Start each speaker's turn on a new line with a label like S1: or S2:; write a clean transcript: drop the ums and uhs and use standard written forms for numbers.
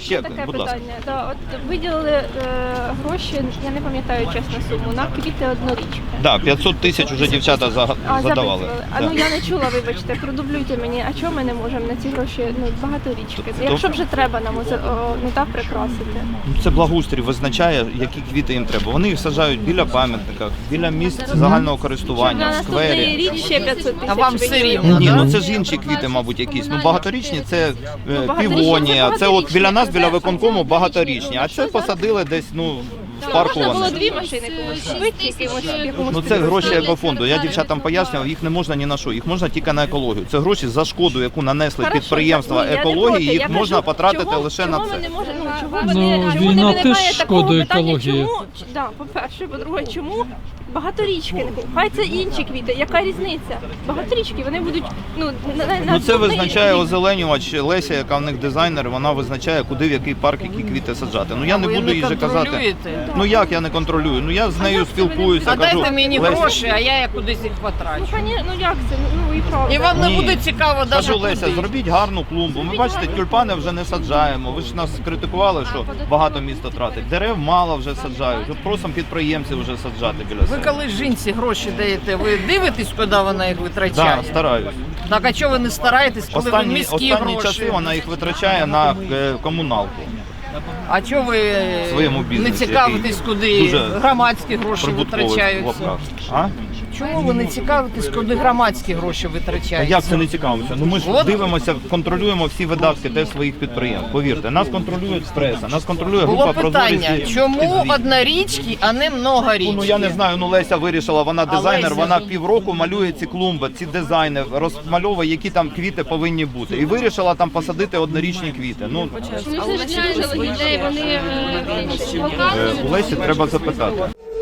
S1: Ще,
S2: таке
S1: будь ласка.
S2: питання. Да, от виділили гроші, я не пам'ятаю чесно суму, на квіти однорічки.
S1: Да, 500 тисяч вже дівчата задавали.
S2: А ну я не чула, вибачте, продублюйте мені, а чого ми не можемо на ці гроші багаторічки? Якщо вже треба нам не так прикрасити.
S1: Це благоустрій визначає, які квіти їм треба. Вони їх саджають біля пам'ятника, біля місць загального
S2: Щоб на
S1: користування, в
S2: наступний
S1: сквері.
S2: рік ще 500 тисяч.
S3: А вам все
S2: виділили.
S3: рівно,
S1: Ні,
S3: да?
S1: ну це ж інші квіти, мабуть, якісь. Ну багаторічні це
S2: багаторічні
S1: півонія,
S2: це
S1: це от біля нас, біля
S2: багаторічні.
S1: виконкому багаторічні. А це посадили десь, ну, в парку
S2: Можна було
S1: вони.
S2: 2 машини комусь купити, якомусь
S1: Ну це гроші екофонду. Я дівчатам пояснював, їх не можна ні на що, їх можна тільки на екологію. Це гроші за шкоду, яку нанесли
S2: Хорошо,
S1: підприємства
S2: ні, я не
S1: екології,
S2: проти.
S1: їх
S2: Я
S1: можна
S2: кажу,
S1: потратити
S2: чого-
S1: лише на
S2: чого
S1: це.
S2: ми не можемо, чому
S4: Ну,
S2: чому
S4: війна
S2: не
S4: теж
S2: виникає такого
S4: шкодує
S2: питання,
S4: екології.
S2: чому, да, по-перше, по-друге, чому багаторічки не купують? Хай це інші квіти, яка різниця? Багаторічки, вони будуть, ну, на
S1: Ну це
S2: наступний
S1: визначає
S2: рік.
S1: озеленювач Леся, яка в них дизайнер, вона визначає, куди в який парк які квіти саджати. Ну я не
S3: Ви
S1: буду
S3: не
S1: їй же казати.
S3: контролюєте?
S1: Ну як я не контролюю? Ну я з нею
S2: як це ви не-
S1: спілкуюся,
S3: А
S1: кажу.
S3: дайте мені
S1: Леся,
S3: гроші, а я кудись їх
S2: Ну,
S3: потрачу.
S2: ну як це? Ну і правда.
S3: І вам не
S1: Ні.
S3: буде цікаво навіть
S1: Кажу, Леся,
S3: куди.
S1: зробіть гарну клумбу. Ми бачите, тюльпани вже не саджаємо. Ви ж нас критикували, що багато місто тратить. Дерев мало вже саджають. От просимо підприємців вже саджати біля
S3: Ви
S1: себе.
S3: коли жінці гроші даєте, ви дивитесь, куди вона їх витрачає?
S1: Так, стараюсь.
S3: Так а чого ви не стараєтесь, коли ви
S1: Останні
S3: міські
S1: часи
S3: гроші?
S1: вона їх витрачає на комуналку.
S3: А чого ви
S1: В своєму
S3: не
S1: бізнесі,
S3: цікавитесь,
S1: який
S3: куди
S1: дуже
S3: громадські гроші
S1: Прибутковий в
S3: витрачаються?
S1: лапках. А?
S3: Чому ви не цікавитесь, куди громадські гроші
S1: А
S3: витрачаються?
S1: як це не цікавимося? Ну ми ж
S3: От.
S1: дивимося, контролюємо всі видатки теж своїх підприємств. Повірте, нас контролює преса, нас контролює група
S3: Було питання,
S1: прозорість.
S3: чому однорічки, а не многорічки?
S1: Ну я не знаю, ну Леся вирішила, вона дизайнер,
S3: Леся
S1: вона
S3: ж-
S1: півроку малює ці клумби, ці дизайни, розмальовує, які там квіти повинні бути. І вирішила там посадити однорічні квіти. Ну
S2: Ну, це ж ідеї, вони
S1: у Лесі треба запитати.